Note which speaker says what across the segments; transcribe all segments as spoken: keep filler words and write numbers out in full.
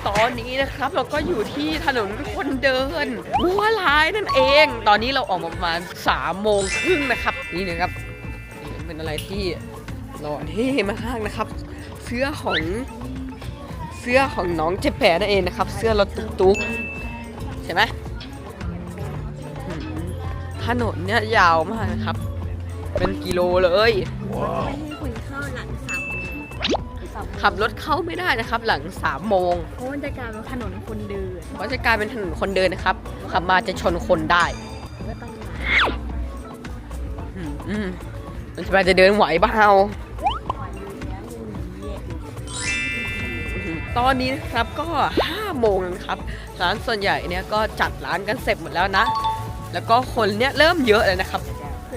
Speaker 1: ตอนนี้นะครับเราก็อยู่ที่ถนนคนเดินบัวลายนั่นเอง ตอนนี้เราออกมาประมาณสามโมงครึ่งนะครับนี่นะครับเป็นอะไรที่หล่อเท่มากนะครับเสื้อของเสื้อของน้องเจแปนั่นเองนะครับเสื้อรถตุ๊กๆใช่ไหมถนนเนี่ยยาวมากนะครับเป็นกิโลเลยขับรถเข้าไม่ได้นะครับหลังสามโมง
Speaker 2: เพราะมันจะกลายเป็นถนนคนเดิน
Speaker 1: เพราะจะกลายเป็นถนนคนเดินนะครับขับมาจะชนคนได้มันจะไปจะเดินไหวบ้าเอาตอนนี้นะครับก็ห้าโมงนะครับร้านส่วนใหญ่เนี่ยก็จัดร้านกันเสร็จหมดแล้วนะแล้วก็คนเนี่ยเริ่มเยอะเลยนะครับ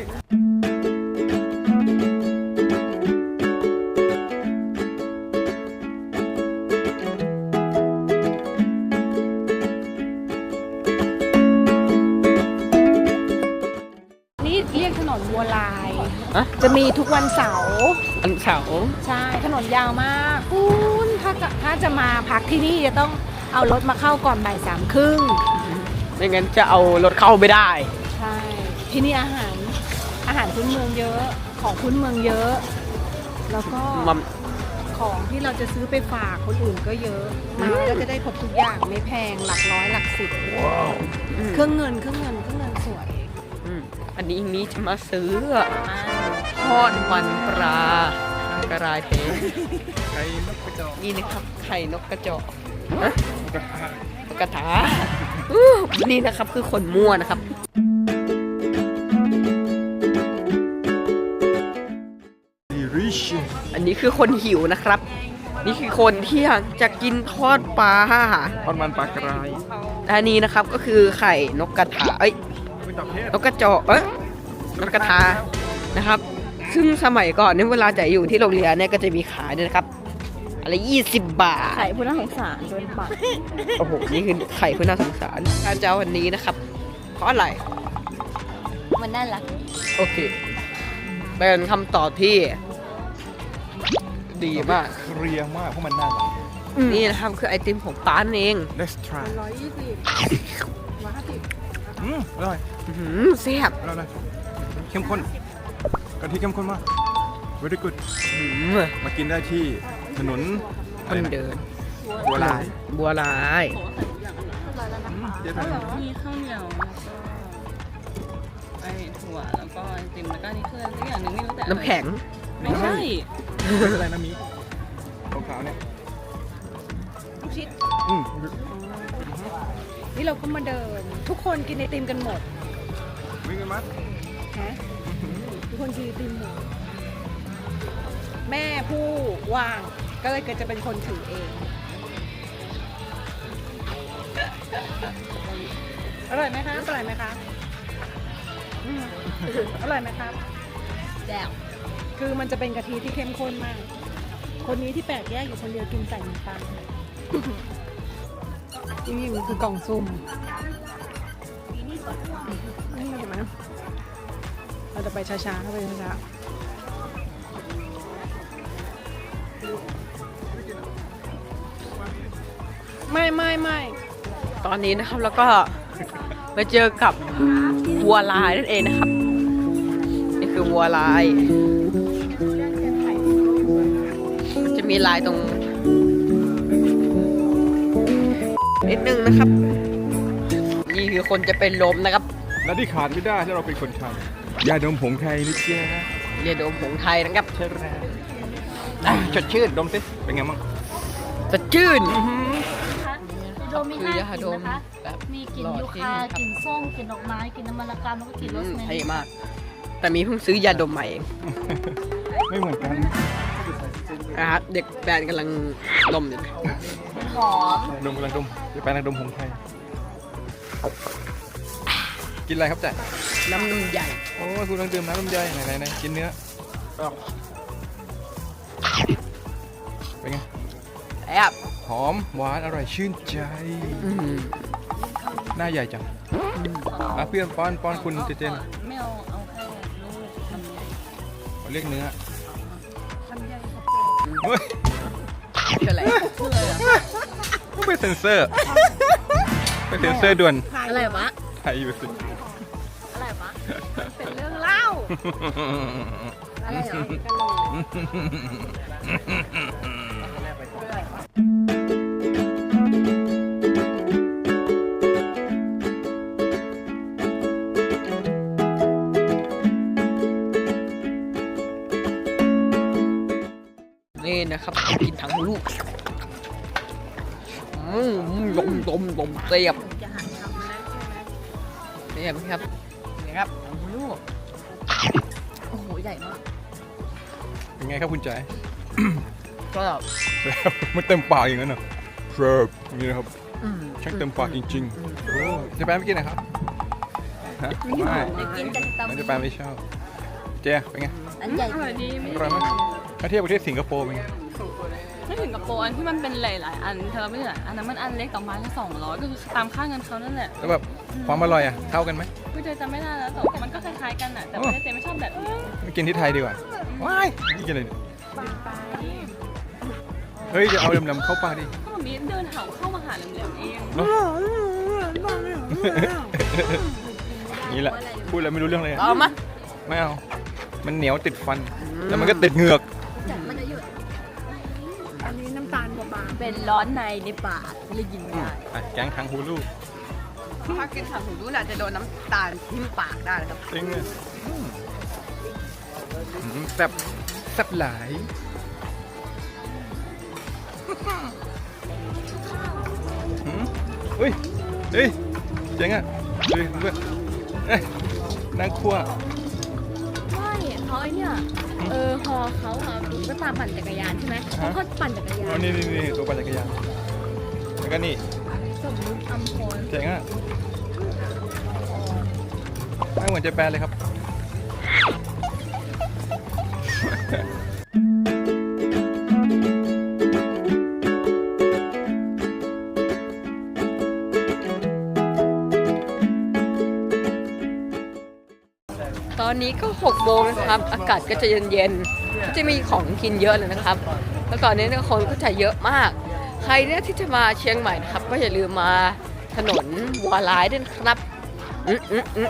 Speaker 2: นี่เรียกถนนบัวลายจะมีทุกวันเสาร์
Speaker 1: วันเสาร์
Speaker 2: ใช่ถนนยาวมากคุณถ้าถ้าจะมาพักที่นี่จะต้องเอารถมาเข้าก่อนบ่ายสามครึ่ง
Speaker 1: ไม่งั้นจะเอารถเข้าไม่ได้
Speaker 2: ใช่ที่นี่อาหารอาหารพื้นเมืองเยอะของพื้นเมืองเยอะแล้วก็ของที่เราจะซื้อไปฝากคนอื่นก็เยอะมาก็จะได้ครบทุกอย่างไม่แพงหลักร้อยหลักสิบเครื่องเงินเครื่องเงินเครื่องเงินสวย
Speaker 1: อันนี้นี้จะมาซื้อทอดมันปลากระไรเทไข่นกกระจอกนี่นะครับไข่นกกระจอกกระทะนี่นะครับคือคนมั่วนะครับอันนี้คือคนหิวนะครับนี่คือคนที่อยากจะกินทอดปลา
Speaker 3: ทอดมันปลากระไร
Speaker 1: อันนี้นะครับก็คือไข่นกกระทะเอ้ยนกกระจอกเอ้ยนกกระทานะครับซึ่งสมัยก่อนเนี่ยเวลาจะอยู่ที่โรงเรียนเนี่ยก็จะมีขายด้วยนะครับอะไรยี่สิบบาท
Speaker 2: ไข่ผู้น่าสงสารโดนปาก
Speaker 1: โอ้โหนี่คือไข่ผู้น่าสงสารการเจ้าวันนี้นะครับเพราะอะไร
Speaker 2: มันน่ารัก
Speaker 1: โอเคเป็นคำตอบที่ดีมาก
Speaker 3: เคลียร์มากเพราะมันน่ารัก
Speaker 1: นี่นะครับคือไอติมของป้านเอง
Speaker 3: Let's try
Speaker 2: ร้อยยี่สิบร้อยห้าสิบ
Speaker 3: อืมอร่อย
Speaker 1: อืมแซ่บ
Speaker 3: อร่อยเข้มข้นกะทิเข้มข้นมาก very good มากินได้ที่ถนน
Speaker 1: คนเดิน
Speaker 3: บัวลาย
Speaker 1: บัวลาย
Speaker 4: มีข้าวเหนียวแล้วก็ไอถั่วแล้วก็ไอติมแล้วก็นี่คืออะไรอย่างหนึ่งไม่รู้แต่
Speaker 1: น้ำแข็ง
Speaker 4: ไม่ใช่
Speaker 3: อะไรนะมีขาวๆเนี่ย
Speaker 2: ลูกชิดนี่เราก็มาเดินทุกคนกินไอติมกันหมด
Speaker 3: วิ่งกันมั้ย
Speaker 2: ฮะทุกคนกินไอติมหมดแม่ผู้ว่างก็เลยเกิดจะเป็นคนถือเองอร่อยไหมคะอร่อยไหมคะอร่อยไหมครับแจ่วคือมันจะเป็นกะทิที่เข้มข้นมากคนนี้ที่แปลกแยกอยู่คนเดียวกินใส่น้ำตาลนี่คือกล่องซุ่มนี่เห็นไหมเราจะไปช้าๆเข้าไปช้าๆไม่ไม่ไม่
Speaker 1: ตอนนี้นะครับแล้วก็มาเจอกับวัวลายนั่นเองนะครับนี่คือวัวลายจะมีลายตรงนิดนึงนะครับนี่คือคนจะเป็นลมนะครับ
Speaker 3: และที่ขาดไม่ได้ถ้าเราเป็นคนไทยยาดมผงไทยนิดเดียวนะ
Speaker 1: ยาดมผงไทยนะครับ
Speaker 3: ใช่แล้วสดชื่นดมสิเป็นไงบ้าง
Speaker 1: สดชื่น
Speaker 4: โดมมีห้ากลิ่นนะคะมีกลิ่นยูคากลิ่นส้มกลิ่นดอกไม้กลิ่นน้ำมันละกามแล้วก็กลิ่นโรสแมรี่
Speaker 1: เท่มากแต่มีเพิ่งซื้อยาดมใหม่เอง
Speaker 3: ไม่เหมือนกัน
Speaker 1: นะครับเด็กแบรนด์กำลังดมอยู่
Speaker 4: หอม
Speaker 3: ดมกำลังดมจะไปนักดมผงไทยกินอะไรครับจ๊ะ
Speaker 1: น้ำนมใหญ่
Speaker 3: โอ้ยคุณกำลังดื่มน้ำนมใหญ่ไหนไหนไหนกินเนื้อเป็นไง
Speaker 1: แอบ
Speaker 3: หอมหวานอร่อยชื่นใจหน้าใหญ่จังอ่ะเพื่อนป้อนป้อนคุณเจเจน
Speaker 4: ไม่เอาเอาแค่
Speaker 3: ลูกเรียกเนื้อ
Speaker 1: เฮ้ยอะไร
Speaker 3: ไม่เซ็นเซอร์ไปเซ็นเซอร์ด่วน
Speaker 4: อะไรวะ
Speaker 3: ไทยอยู่สิ
Speaker 4: อะไรวะ
Speaker 2: เป็นเรื่องเล่า
Speaker 4: อะไรเหรอ
Speaker 1: นี่นะครับกินทั้งลูกอืมลมลมลมเสียบ
Speaker 2: จะหันทำนะใช่ไหม
Speaker 1: เสียบครับนี่ครับทั้งลูก
Speaker 4: โอ้โห ใหญ่มาก
Speaker 3: เป็นไงครับคุณใจ
Speaker 1: ก็
Speaker 3: มันเต็มปากอย่างนั้นเหรอเชิบอย่างนี้นะครับ
Speaker 1: อืม
Speaker 3: ช่างเต็มปากจริงๆโอ้เจะแปนไม่กินนะครับฮะไม่
Speaker 4: กินกันตำ
Speaker 3: ไม่เจะแปนไม่ชอบเจ๊เป็นไง
Speaker 4: อันใหญ่
Speaker 5: อร่อยดี
Speaker 3: อร่อยไหมถ้าเทียบกับที่สิงคโปร์เป็นไง
Speaker 5: ไม่ถึงกับโปรอันที่มันเป็นหลายๆอันเธอไม่เหลืออันนั้นมันอันเล็กต่อไม้ละสองร้อยก็คือตามค่าเงินเขานั่นแหละ
Speaker 3: แล้วแบบความอร่อยอ่ะเท่ากันไหม
Speaker 5: กูเจอจำไม่ได้แล้วแต่มันก็คล้ายๆกันอ่ะแต่ไม่ได้เจไม่ชอบแบบนี้
Speaker 3: ไม่กินที่ไทยดีกว่าว้ายนี่กินอะไรเนี่ยเฮ้ยจะเอาดำๆเข้าปากดิ
Speaker 5: ก็มันมีเดินเห่าเข้ามาหาเหลี่ยมๆเอง
Speaker 3: เนอะนี่แหละพูดแล้วไม่รู้เรื่องเลยอะ
Speaker 1: เอามา
Speaker 3: ไม่เอา มันเหนียวติดฟัน แล้วมันก็ติดเหงือก
Speaker 4: มันจะหยุด
Speaker 2: อันนี้น้ำตาลกว่าบาง
Speaker 4: เป็นร้อนในในปากเลยยินได้
Speaker 3: อ่ะแกงทางฮูลู
Speaker 1: ถ้ากินถังหูรู้น่ะจะโดนน้ำตาลทิ่มปากได้นะครับ
Speaker 3: จริงเลยอืมอืมแซ่บแซ่บหลายหืมเฮ้ยเฮ้ยเจ๋งอ่ะดูดิเพื่อนเอ้ยนั่งคั่ว
Speaker 4: ไม่เขาไอเนี่ยเออฮอเขาอะก็ตามปั่นจักรยานใช่ไหมเขาก็ปั่นจักรยา
Speaker 3: อ๋อน นี่นี่นี่ตัวปั่นจักรยานแล้วก็นี่
Speaker 4: สมมุติอัมพร
Speaker 3: เจ๋งอ่ะไม่เหมือนเจแปนเลยครับ
Speaker 1: ตอนนี้ก็หกโมงนะครับ อากาศก็จะเย็นๆก็จะมีของกินเยอะเลยนะครับ แล้วตอนนี้เนี่ยคนก็จะเยอะมาก ใครเนี่ยที่จะมาเชียงใหม่นะครับ ก็อย่าลืมมาถนนวัวลายด้วยนะครับอืมอืมอืม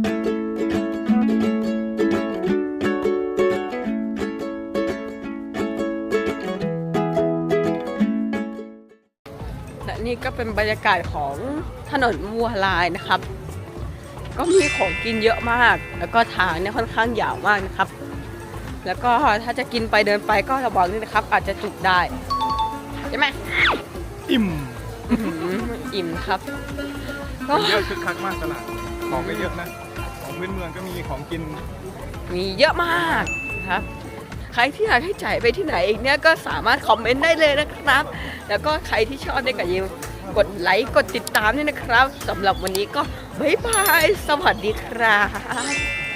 Speaker 1: และนี่ก็เป็นบรรยากาศของถนนวัวลายนะครับ ก็มีของกินเยอะมาก แล้วก็ทางเนี่ยค่อนข้างยาวมากนะครับ แล้วก็ถ้าจะกินไปเดินไปก็ระวังด้วยนะครับ อาจจะจุกได้ใช่ไหม
Speaker 3: อิ่ม
Speaker 1: อื้อหืออิ่มครับก็
Speaker 3: เยอะคึกคักมากตลาด ของก็เยอะนะ ของพื้นเมืองก็มีของกิน
Speaker 1: มีเยอะมากนะครับ ใครที่อยากให้จ่ายไปที่ไหนอีกเนี่ยก็สามารถคอมเมนต์ได้เลยนะครับ แล้วก็ใครที่ชอบเนี่ยก็อย่าลืมกดไลค์กดติดตามด้วยนะครับสำหรับวันนี้ก็บ๊ายบายสวัสดีครับ